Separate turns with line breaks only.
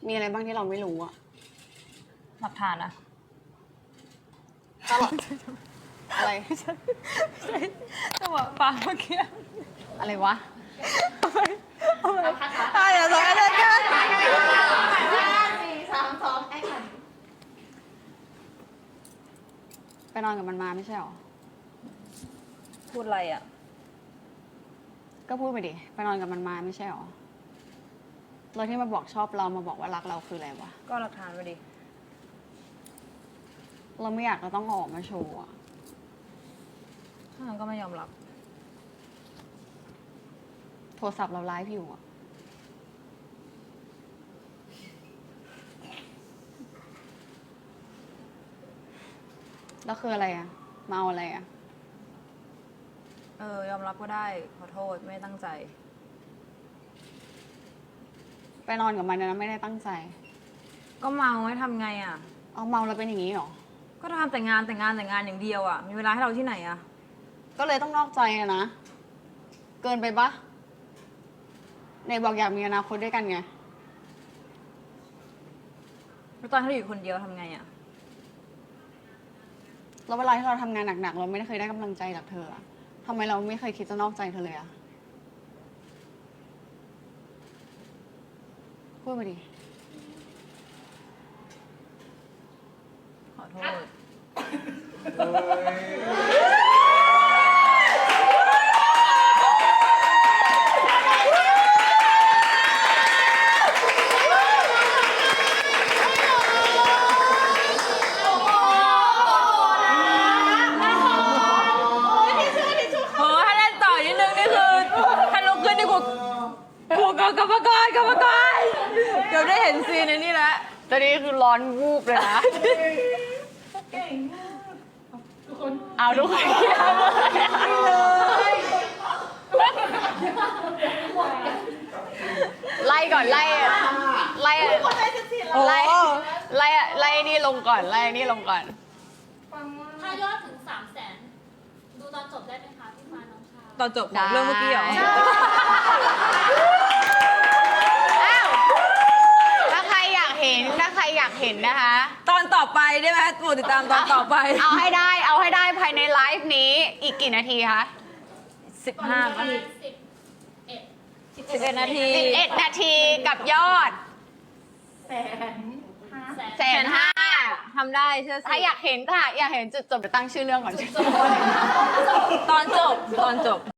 มีอะไรบ้างที่เราไม่รู้อะ
หลักฐานอะ
ตลอดอะไร
จังหวะปากเมื่อกี้
อะไรวะ
เดี๋ยวสองอันเลยกัน
4 3 2แอคชั่น
ไปนอนกับมันมาไม่ใช่หรอ
พูดอะไรอะ
ก็พูดไปดิ ไปนอนกับมันมาไม่ใช่หรอเราที่มาบอกชอบเรามาบอกว่ารักเราคืออะไรวะ
ก็หลักฐานมาดิ
เราไม่อยากเราต้องเอาออกมาโชว์อะ
ถ้างั้นก็ไม่ยอมรับ
โทรศัพท์เราไลฟ์อยู่อะแล้วคืออะไรอะมาเอาอะไรอะ
ยอมรับก็ได้ ขอโทษไม่ได้ตั้งใจ
ไปนอนกับมันนะไม่ได้ตั้งใจ
ก็เมาให้ทำไงอะ
เอาเมาแล้วเป็นอย่างนี้หรอ
ก็ทำแต่งานอย่างเดียวอะมีเวลาให้เราที่ไหนอะ
ก็เลยต้องนอกใจอะนะ เกินไปปะในบอกอยากมีอนาคตด้วยกันไง
แล้วตอนที่เราอยู่คนเดียวทำไงอะ
แล้วเวลาที่เราทำงานหนักๆ เราไม่ได้เคยได้กำลังใจจากเธออะทำไมเราไม่เคยคิดจะนอกใจเธอเลยอะพูดมาดิ
ขอโทษ โอ้ถ้าเล่นต่อนิดนึงนี่คือถ้าลุกขึ้นนี่กูกรรมกรเกือบได้เห็นซีนในนี่แล้ว
ตอนนี้คือร้อนวูบเลยนะ เอาทุกคนไล่ก่อนไล่ไล่ไล่ไล่นี่ลงก่อนไล่นี่ลงก่อน
ถ้ายอดถึง 300,000 ดูตอนจบได้ไหมคะพี่ฟ้าน้องชาย
ตอนจบของเรื่องเมื่อกี้เหรอ
อ้าวถ้าใครอยากเห็นนะคะ
ตอนต่อไปได้ไหมโปรดติดตามตอนต่อไป
เอาให้ได้ภายในไลฟ์นี้อีกกี่นาทีคะ
15
ประมาณ
11 นาที
11 นาทีกับยอด 150,000
ทำได้เชื่อสิ
ถ้าอยากเห็นจุดจบเดี๋ยวตั้งชื่อเรื่องก่อน
ตอนจบ